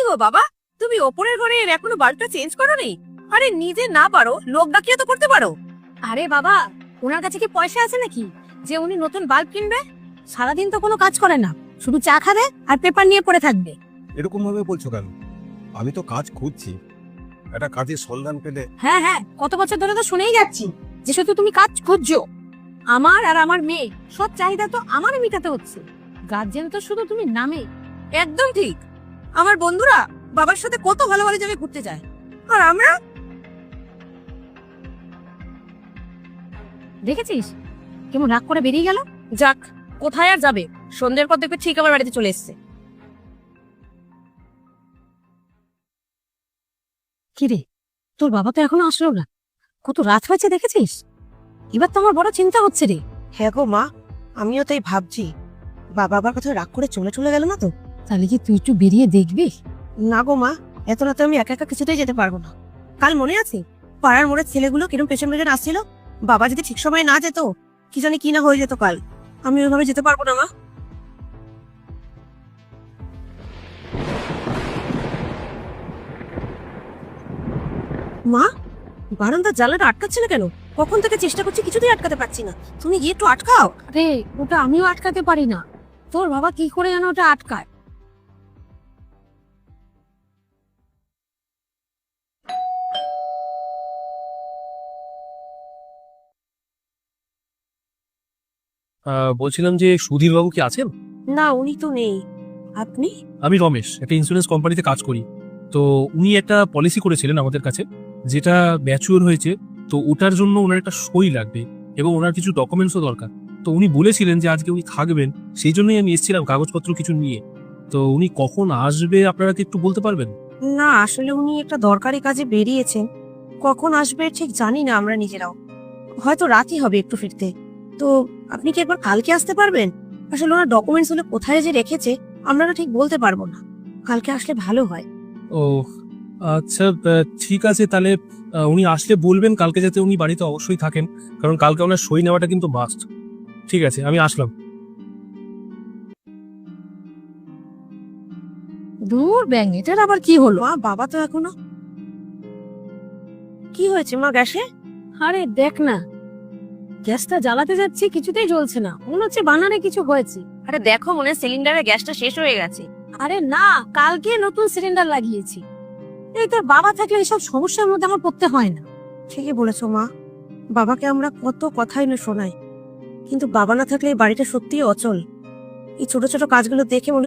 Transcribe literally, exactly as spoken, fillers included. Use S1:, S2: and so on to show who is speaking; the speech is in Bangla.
S1: গো বাবা, তুমি ওপরের ঘরে এখনো বাল্বটা চেঞ্জ করোনি? আরে নিজে না পারো, লোক ডাকিয়ে তো করতে পারো।
S2: আরে বাবা, ওনার কাছে কি পয়সা আছে নাকি যে উনি নতুন বাল্ব কিনবে? সারাদিন তো কোনো কাজ করে না, শুধু চা খাবে আর পেপার নিয়ে পড়ে থাকবে।
S3: এরকম ভাবে বলছো কেন? আমি তো কাজ খুঁজছি, একটা কাজের সন্ধান পেলে।
S2: হ্যাঁ হ্যাঁ, কত বছর ধরে তো শুনেই যাচ্ছি যে শুধু তুমি কাজ খুঁজছো। আমার আর আমার মেয়ে সব চাহিদা তো আমারই মেটাতে হচ্ছে, গার্জেন তো শুধু তুমি নামে।
S1: একদম ঠিক। আমার বন্ধুরা বাবার সাথে কত ভালো ভালো জায়গায় ঘুরতে যায়, আর আমরা
S2: দেখেছিস কেমন রাগ করে বেরিয়ে গেল।
S1: যাক, কোথায় আর যাবে, সন্ধ্যের পর দেখবে ঠিক আমার বাড়িতে চলে এসছে।
S2: কিরে, তোর বাবা তো এখনো আসলো না, কত রাত হয়েছে দেখেছিস? এবার তো আমার বড় চিন্তা হচ্ছে রে।
S4: হ্যাঁ গো মা, আমিও তাই ভাবছি, বাবা আবার কোথাও রাগ করে চলে চলে গেল না তো?
S2: তাহলে কি তুই একটু বেরিয়ে দেখবি?
S4: না গো মা, এত রাতে আমি একা একা কিছুতেই যেতে পারবো না। কাল মনে আছে পাড়ার মোড়ের ছেলেগুলো কিরম পেছন পেছন আসছিল? বাবা যদি ঠিক সময় না যেত, কি জানি কি না হয়ে যেত কাল। আমি ওইভাবে যেতে পারবো না মা। মা, বারান্দার জানলাটা আটকাচ্ছে না কেন? কখন থেকে চেষ্টা করছি, কিছুতেই আটকাতে পারছি না। তুমি গিয়ে একটু আটকাও।
S2: আরে ওটা আমিও আটকাতে পারি না, তোর বাবা কি করে যেন ওটা আটকায়।
S5: আহ, বলছিলাম যে সুধীর বাবু কি আছেন?
S4: না, উনি তো নেই। আপনি?
S5: আমি রমেশ, একটা ইন্স্যুরেন্স কোম্পানিতে কাজ করি। তো উনি একটা পলিসি করেছিলেন আমাদের কাছে, যেটা ম্যাচিওর হয়েছে। তো ওটার জন্য ওনার একটা সই লাগবে এবং ওনার কিছু ডকুমেন্টসও দরকার। তো উনি বলেছিলেন যে আজকে উনি থাকবেন, সেই জন্যই আমি এসেছিলাম কাগজপত্র কিছু নিয়ে। তো উনি কখন আসবে আপনারা কি একটু বলতে পারবেন?
S4: না, আসলে উনি একটা দরকারি কাজে বেরিয়েছেন, কখন আসবে ঠিক জানি না আমরা নিজেরাও। হয়তো রাতই হবে একটু ফিরতে। তো আপনি কি একবার কালকে আসতে পারবেন? আসলে ওনার ডকুমেন্টস গুলো কোথায় যে রেখেছে আমরা না ঠিক বলতে পারবো না। কালকে আসলে ভালো হয়।
S5: ও আচ্ছা, আহ, ঠিক আছে তাহলে। আহ, উনি আসলে বলবেন কালকে যাতে উনি বাড়িতে অবশ্যই থাকেন, কারণ কালকে ওনার সই নেওয়াটা কিন্তু মাস্ট। ঠিক আছে, আমি আসলাম।
S2: দূর ব্যাং, এটার আবার কি হলো?
S4: মা, বাবা তো এখনো। কি হয়েছে মা গ্যাসে?
S2: আরে দেখ না, গ্যাসটা জ্বালাতে যাচ্ছি কিছুতেই জ্বলছে না, মনে হচ্ছে বানানে কিছু হয়েছে।
S1: আরে দেখো, মনে হয় সিলিন্ডারের গ্যাসটা শেষ হয়ে গেছে।
S2: আরে না, কালকে নতুন সিলিন্ডার লাগিয়েছি। এই তোর বাবা থাকলে এইসব সমস্যার মধ্যে আমার পড়তে হয় না।
S4: ঠিকই বলেছো মা, বাবাকে আমরা কত কথাই না শোনাই, কিন্তু বাবা না থাকলে এই বাড়িটা সত্যিই অচল। এই ছোট ছোট কাজগুলো দেখে মনে